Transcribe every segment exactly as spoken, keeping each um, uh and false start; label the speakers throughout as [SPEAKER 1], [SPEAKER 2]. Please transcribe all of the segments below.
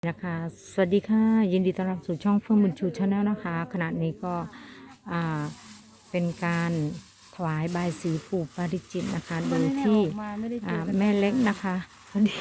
[SPEAKER 1] นะคะสวัสดีค่ะยินดีต้อนรับสู่ช่องเฟื่องบุญชูชาแนลนะคะขณะนี้ก็อ่าเป็นการถวายบายสีปู่ปาริจิตนะคะโดยที่อ่าแม่เล็กนะคะสวัสดี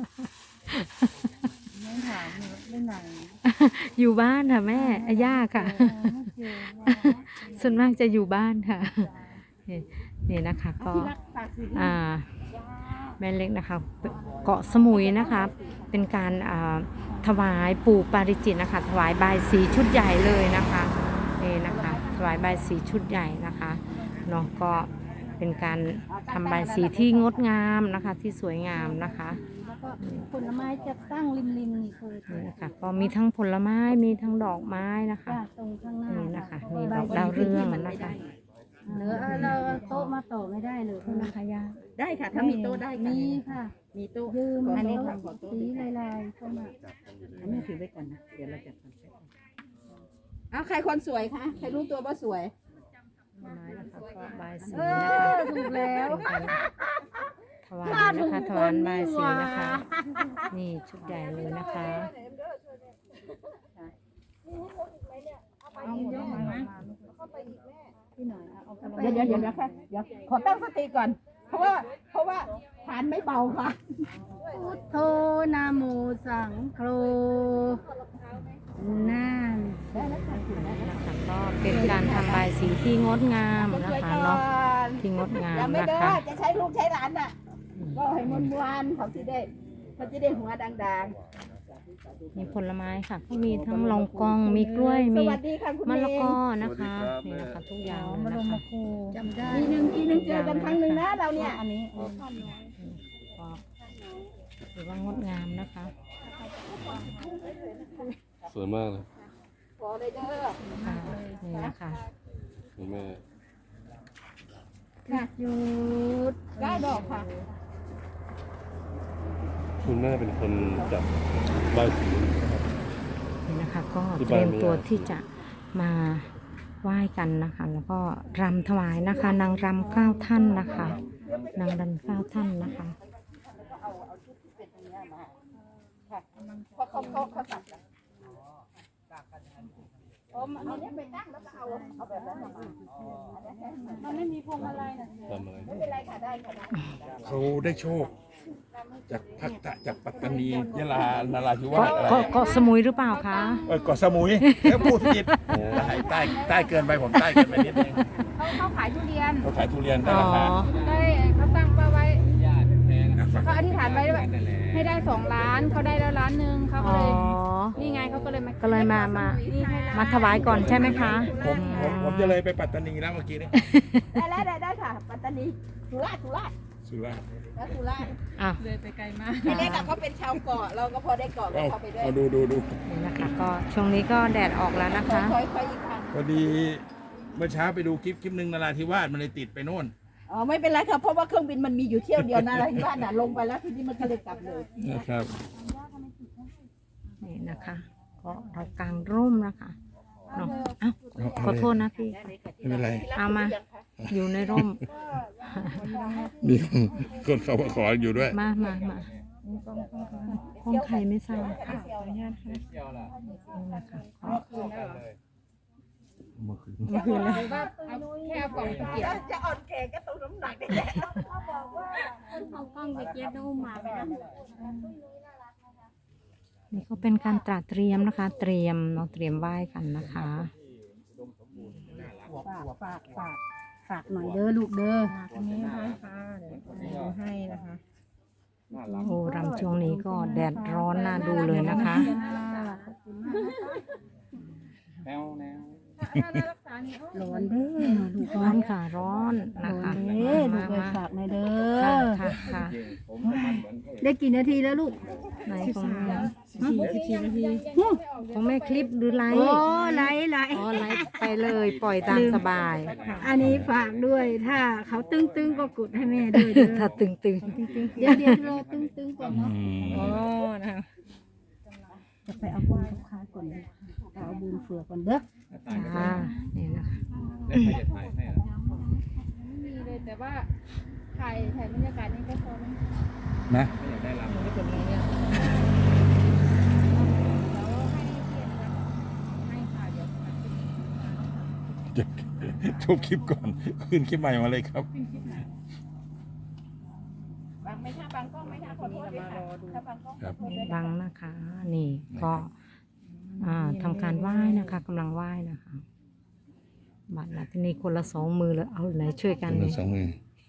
[SPEAKER 2] ไม่ถามไม่ไหน
[SPEAKER 1] อยู่บ้านค่ะแม่ย่าค่ะส่วนมากจะอยู่บ้านค่ะนี่นี่นะคะก็อ่าแม่เล็กนะคะเกาะสมุยนะคะเป็นการอ่าถวายปู่ปาริจิตนะคะถวายบายสีชุดใหญ่เลยนะคะนี่นะคะถวายบายสีชุดใหญ่นะคะเนาะก็เป็นการทำบายสีที่งดงามนะคะที่สวยงามนะคะ
[SPEAKER 2] แล้วก็ผลไม้จะตั้งริมริมนี่คือ
[SPEAKER 1] นี่นะคะก็มีทั้งผลไม้มีทั้งดอกไม้นะคะ
[SPEAKER 2] ตรงข้างหน้า
[SPEAKER 1] นี่นะคะนี่ดอกดาวเรืองนะคะ
[SPEAKER 2] เหลือเราโต๊ะมาต่อไม่ได้เลยคุณนะคะย่า
[SPEAKER 3] ได้ค่ะถ้ามีโต๊ะได้
[SPEAKER 2] มีค่ะ
[SPEAKER 3] มีโต๊ะ
[SPEAKER 2] ยืม
[SPEAKER 3] อันนี้
[SPEAKER 2] ค่ะสีลายๆเข้ามา
[SPEAKER 3] อันนี้ถือไว้ก่อนนะเดี๋ยวเราจัดคอนเซ็ปต์เอาใครคนสวยคะใครรู้ตัวว่าสวย
[SPEAKER 1] ไม้นะคะก็บายสี
[SPEAKER 2] เอ
[SPEAKER 1] นะคะ
[SPEAKER 2] อถูกแล้ว
[SPEAKER 1] ถวายนะคะถวายบายสีนะคะนี่ชุดใหญ่เลยนะคะ
[SPEAKER 3] เดี๋ยวเดี๋ยวเดี๋ยวนะค่ะเดี๋ยวขอตั้งสติก่อน เพราะว่าเพราะว่าฐานไม่เบาค่ะ
[SPEAKER 2] พุทโธนะโมสังโฆนั่น
[SPEAKER 1] นะคะก็เป็นการทำบายสีที่งดงามนะคะเนาะที่งดงาม
[SPEAKER 3] ยังไม่
[SPEAKER 1] นะ
[SPEAKER 3] เด้อ
[SPEAKER 1] คะ
[SPEAKER 3] จะใช้ลูกใช้หลานน่ะก็ให้มวนมวนเขาจะได้เขาจะได้หัวดัง
[SPEAKER 1] มีผลไม้ค่ะก็มีทั้งลองกองมีกล้วย
[SPEAKER 3] ๆส
[SPEAKER 1] มี
[SPEAKER 3] วัสดีค่ะคุณ
[SPEAKER 1] มะ
[SPEAKER 3] เม
[SPEAKER 1] ละ
[SPEAKER 3] ย์
[SPEAKER 1] กอนะคะนี่นะคะทุกอย่าง
[SPEAKER 2] มา
[SPEAKER 1] เลย
[SPEAKER 2] ล
[SPEAKER 1] นะ
[SPEAKER 2] ง
[SPEAKER 1] คะ
[SPEAKER 2] มาคูจำได้
[SPEAKER 3] ปีหนึ่งปีหนึ่งเจอกันครั้งหนึ่งนะเราเนี่ย
[SPEAKER 2] อันนี้
[SPEAKER 1] ก็ถือว่างดงามนะคะ
[SPEAKER 4] สวยมากเลย
[SPEAKER 3] ขอเลยเด้อ
[SPEAKER 1] ค่ะนี่นะคะ
[SPEAKER 4] คุณแม่
[SPEAKER 3] ค่ะ
[SPEAKER 2] หยุด
[SPEAKER 3] เก้าดอกค่ะ
[SPEAKER 4] คุณแม่เป็นคนจับใบายสี
[SPEAKER 1] นี่นะคะก็
[SPEAKER 4] ที่
[SPEAKER 1] เตรียม
[SPEAKER 4] บ้านมี
[SPEAKER 1] ตัว
[SPEAKER 4] อะไร
[SPEAKER 1] ที่จะมาไหว้กันนะคะ แล้วก็รำถวายนะคะนางรำเก้าท่านนะคะนางรำเก้าท่านนะคะ
[SPEAKER 3] เพราะเขาเขาเขาตัดกันผมอันนี้ไปตั้งแล้วก็เอาเอาแบบนั้นมามันไม่มีพวงมาลัยนะ
[SPEAKER 4] ทำอะไร
[SPEAKER 3] ไม่เป็นไรค่ะได้ค่ะได้
[SPEAKER 5] เขาได้โชค จากพักตะจากปัตตานียะลานราธิวา
[SPEAKER 1] เกาะ
[SPEAKER 5] สอะไร
[SPEAKER 1] เกาะเกาะสมุยหรือเปล่าคะ
[SPEAKER 5] เออเกาะสมุยแล้วพูดผิดใต้ใต้ใต้เกินไปผมใต้เกินไปนิดนึง
[SPEAKER 3] เขาเขาขายทุเรียน
[SPEAKER 5] เขาขายทุเรียนได้
[SPEAKER 1] อ๋อ
[SPEAKER 5] ราคา
[SPEAKER 3] ได้เขาตั้งเป้าไว้เขาอธิษฐานไว้ว่าให้ได้สองล้านเขาได้แล้วล้านหนึ่งเขาก็
[SPEAKER 1] อ๋อ
[SPEAKER 3] เลยนี่ไงเขาก็เลยมา
[SPEAKER 1] ก็เลยมามา
[SPEAKER 3] นี่ให้ล้น
[SPEAKER 1] มาถวายก่อนใช่ไหมคะ
[SPEAKER 5] ผมผมผมจะเลยไปปัตตานีแล้วเมื่อกี้นี้
[SPEAKER 3] ได้แล้วได้ได้ค่ะ ปัตตานีสุราษฎร์สุราษฎร์
[SPEAKER 5] สุราษฎร์
[SPEAKER 3] แล้วสุราษฎร์
[SPEAKER 1] อ่ะ
[SPEAKER 3] เลยไปไกลมากไม่ได้กับเขาเป็นชาวเกาะเราก็พอได้เกาะ
[SPEAKER 5] เอา
[SPEAKER 3] เขาไปด้วย
[SPEAKER 5] เอาดูดูดู
[SPEAKER 1] นี่นะคะก็ช่วงนี้ก็แดดออกแล้วนะคะ
[SPEAKER 3] คอยคอยอีกครั้ง
[SPEAKER 5] พอดีเมื่อเช้าไปดูคลิปคลิปหนึ่งนราธิวาสมันเลยติดไปโน่น
[SPEAKER 3] อ๋อไม่เป็นไรครับเพราะว่าเครื่องบินมันมีอยู่เที่ยวเดียวนะอะไรบ้านน่ะลงไปแล้วทีนี้มันก็เลยกลับเลย
[SPEAKER 5] นะครับ
[SPEAKER 1] นี่นะคะก็เรากางร่มนะคะเนาะเอ้าขอโทษนะพี่
[SPEAKER 5] ไม่เป็นไร
[SPEAKER 1] เอามาอยู่ในร่ม
[SPEAKER 5] มีคนคนเขามาขออยู่ด้วย
[SPEAKER 1] มามามาห้องใครไม่ทราบค่ะขออนุญาตค่ะนี่นะคะก็
[SPEAKER 5] เมื่อคืน
[SPEAKER 1] เมื่อคืนแล้ว
[SPEAKER 3] แค่เอากล่องตะเกียบจะอ่อนแก่ก็ต้องน้ำหนักได้แหละ
[SPEAKER 1] นี่ก็เป็นการตระเตรียมนะคะ เตรียมเนาะเตรียมไหว้กันนะคะ
[SPEAKER 2] ฝากฝากฝากฝากหน่อยเด้อลูกเด้อ
[SPEAKER 3] นี่ให้ค่ะเดี๋ยวให้นะคะ
[SPEAKER 1] โอ้รำช่วงนี้ก็แดดร้อนน่าดูเลยนะคะ
[SPEAKER 2] ร้อนเด้อลูก
[SPEAKER 1] ร้อนค่ะร้อนนะ
[SPEAKER 2] ร้อ
[SPEAKER 1] คะ
[SPEAKER 2] นเด้อลู
[SPEAKER 1] มาก
[SPEAKER 2] ไป
[SPEAKER 1] มา
[SPEAKER 2] ฝากหน่อยเด้อ
[SPEAKER 1] ค่ะค่ะค่ะ
[SPEAKER 2] ได้กี่นาทีแล้วลูก
[SPEAKER 1] ไหนของแม่
[SPEAKER 2] สิบสี่นาที
[SPEAKER 1] ของแม่คลิปหรือไล
[SPEAKER 2] โอ้
[SPEAKER 1] ฟ์
[SPEAKER 2] ไหลไหล
[SPEAKER 1] อ๋อไลฟ์ไปเลยปล่อยตามสบาย
[SPEAKER 2] อันนี้ฝากด้วย ถ้าเขาตึ้งตึ้งก็กดให้แม่ด้วยเด้อ
[SPEAKER 1] ถ้าตึงตึง
[SPEAKER 2] เดี๋ยวเดี๋ยวรอตึ้งตึ้งก่อนเนาะ
[SPEAKER 1] โอ้นะคะ
[SPEAKER 2] จะไปเอาบุญกับค้าก่อนเลยเอาบุญเฟือก่อนเด้อ
[SPEAKER 1] อ่านี่นะคะ
[SPEAKER 3] มีเลยแต่ว่าถ่ายถ่ายบรรยากาศนี่ก็พอแล้ว
[SPEAKER 5] นะ
[SPEAKER 1] น
[SPEAKER 5] จะจบคลิปก่อนขึ้นคลิปใหม่มาเลยครับ
[SPEAKER 3] บางไม่ถ้าบางกล้องไม่ถ้าขอโทษด้วยค่ะถ้าบางกล้อง
[SPEAKER 5] ครับ
[SPEAKER 1] บังนะคะ นี่ก็อ่าทำการไหว้นะคะกำลังไหว้นะคะบัตรนะทีนี้คนละสองมือเลยเอาไหนช่วยกัน
[SPEAKER 5] คน
[SPEAKER 1] เล
[SPEAKER 5] ละ
[SPEAKER 1] ย
[SPEAKER 5] สองมือ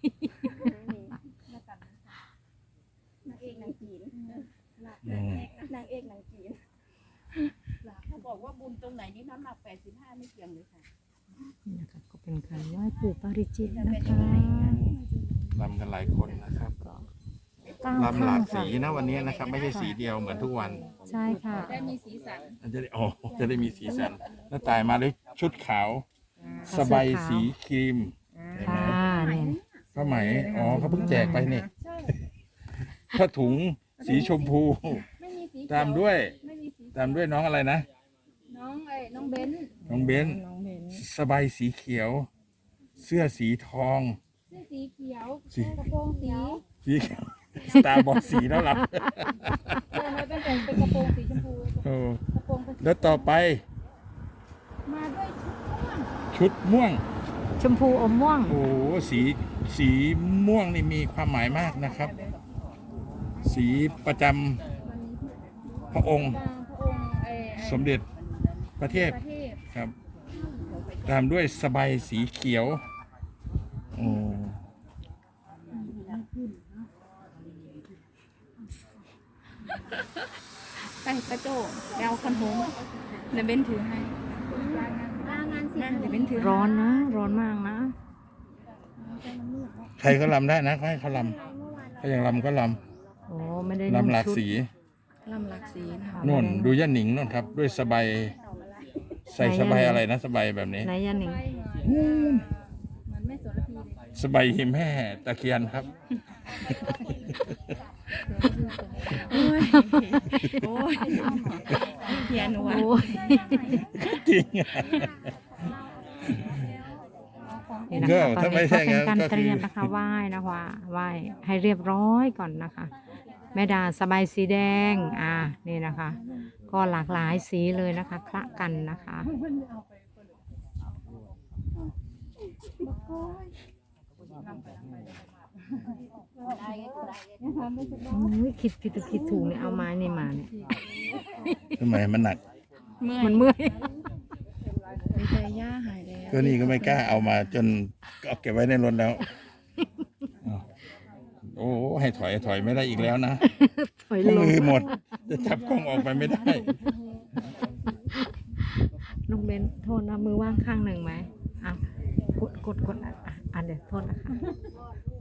[SPEAKER 2] นางเอกนางจีน
[SPEAKER 5] อืม
[SPEAKER 2] นางเอกนางจีนเขาบอกว่าบุญตรงไหนนี่น้ำหนักแปดสิบห้าไม่เกี่ยงเลยค่ะ
[SPEAKER 1] นี่นะคะก็เป็นการไหว้ปู่ปาริจิตนะคะ
[SPEAKER 5] ลำกันหลายคนนะครับ
[SPEAKER 1] เก้า
[SPEAKER 5] ลำหลาก
[SPEAKER 1] ข้
[SPEAKER 5] สี
[SPEAKER 1] ง
[SPEAKER 5] นะวันนี้นะครับ ไม่ใช่สีเดียวเหมือนทุกวัน
[SPEAKER 1] ใช่ค่ะ
[SPEAKER 3] ได้มีสีสัน
[SPEAKER 5] มันจะได้อ๋อจะได้มีสีสันแล้วตายมาด้วยชุดขาว สบายสีครีมเห็นไหม
[SPEAKER 1] ค่ะเนี่ย
[SPEAKER 5] ผ้าไหมอ๋อเขาเพิ่งแจกไปนี่ผ้าถุงสีชมพู
[SPEAKER 3] ไม่มีสี
[SPEAKER 5] ตามด้วย
[SPEAKER 3] ไม่มีสี
[SPEAKER 5] ตามด้วยน้องอะไรนะ
[SPEAKER 3] น้องไอ้น้องเบนซ์
[SPEAKER 5] น้องเบนสบายสีเขียว เสื้อสีทอง
[SPEAKER 3] เสื้อสีเขียว
[SPEAKER 5] สี
[SPEAKER 3] กระโปรงสี
[SPEAKER 5] สีเขียวสตาร์บอลสีแล้วล่ะ
[SPEAKER 3] เออไม่เป็นเป็นเป็นกระโปรงสีชมพู
[SPEAKER 5] โอ้
[SPEAKER 3] กระโปรงเป็น
[SPEAKER 5] แล้วต่อไป
[SPEAKER 3] มาด้วยชุดม่วง
[SPEAKER 5] ชุดม่วง
[SPEAKER 1] ชมพูอมม่วง
[SPEAKER 5] โอ้โหสีสีม่วงนี่มีความหมายมากนะครับ สีประจำพระองค์
[SPEAKER 3] ตามพระองค์ไอ้ไอ้
[SPEAKER 5] สมเด็จพระเทพ
[SPEAKER 3] ประเทศ
[SPEAKER 5] ครับ ตามด้วยสบายสีเขียวโอ้
[SPEAKER 3] ไปกระโจกเดาคันโฮมเดี๋ยวเบนถือให้ลางานสิเดี๋ยวเบนถือให้
[SPEAKER 1] ร้อนนะ ร้อนมากนะ
[SPEAKER 5] ใครก็ลำได้นะเขาให้เขาลำเขายังลำก็ล
[SPEAKER 1] โอ้ไม่ได้
[SPEAKER 5] ำ
[SPEAKER 1] นุ่ง
[SPEAKER 5] ลำหลาก
[SPEAKER 1] ชุด
[SPEAKER 5] สี
[SPEAKER 3] ลำหลักสีนะคะ
[SPEAKER 5] นุ่นดูย่าหนิงนุ่นครับ ด้วยสบายใส่สบายอะไรนะสบายแบบนี้
[SPEAKER 1] ไหนยันหนิง
[SPEAKER 3] เหมือนแม่โสระพีเลย
[SPEAKER 5] สบายหิมแห่ตะเคียนครับ
[SPEAKER 2] โอ้ย โอ้ยเพียนวะ
[SPEAKER 1] โอ้ย
[SPEAKER 5] จริงอะ
[SPEAKER 1] นี่นะ
[SPEAKER 5] ก็
[SPEAKER 1] คะตอน
[SPEAKER 5] ถ้าไม่
[SPEAKER 1] นี้
[SPEAKER 5] ใช่
[SPEAKER 1] ก็เป็น
[SPEAKER 5] งั้น
[SPEAKER 1] การ
[SPEAKER 5] ก็
[SPEAKER 1] เตรียม
[SPEAKER 5] คือ
[SPEAKER 1] นะคะไหว้นะคะไหว้ให้เรียบร้อยก่อนนะคะ แม่ดาสบายสีแดงอ่านี่นะคะ ก็หลากหลายสีเลยนะคะคละกันนะคะโอ้ยคิดผิดคิดถูกเนี่ยเอาไม้นี่มาเนี่ย
[SPEAKER 5] ทำไมมันหนัก
[SPEAKER 2] เมื่อ
[SPEAKER 1] มั
[SPEAKER 2] ย
[SPEAKER 1] นเมื่อย
[SPEAKER 2] ดีใจย่าหายแล้ว
[SPEAKER 5] ก็นี่ก็ไม่กล้าเอามาจนเอาเก็บไว้ในรถแล้วอ้าวโอ้ให้ถอยถอยไม่ได้อีกแล้วนะ
[SPEAKER 1] ถอย
[SPEAKER 5] เพราะ
[SPEAKER 1] ลง
[SPEAKER 5] มือหมด จะจับกล้องออกไปไม่ได้
[SPEAKER 1] น้องเบนโทษนะมือว่างข้างหนึ่งไหมอ่ะกดกดกดอ่ะอ่ะเดี๋ยวโทษนะคะ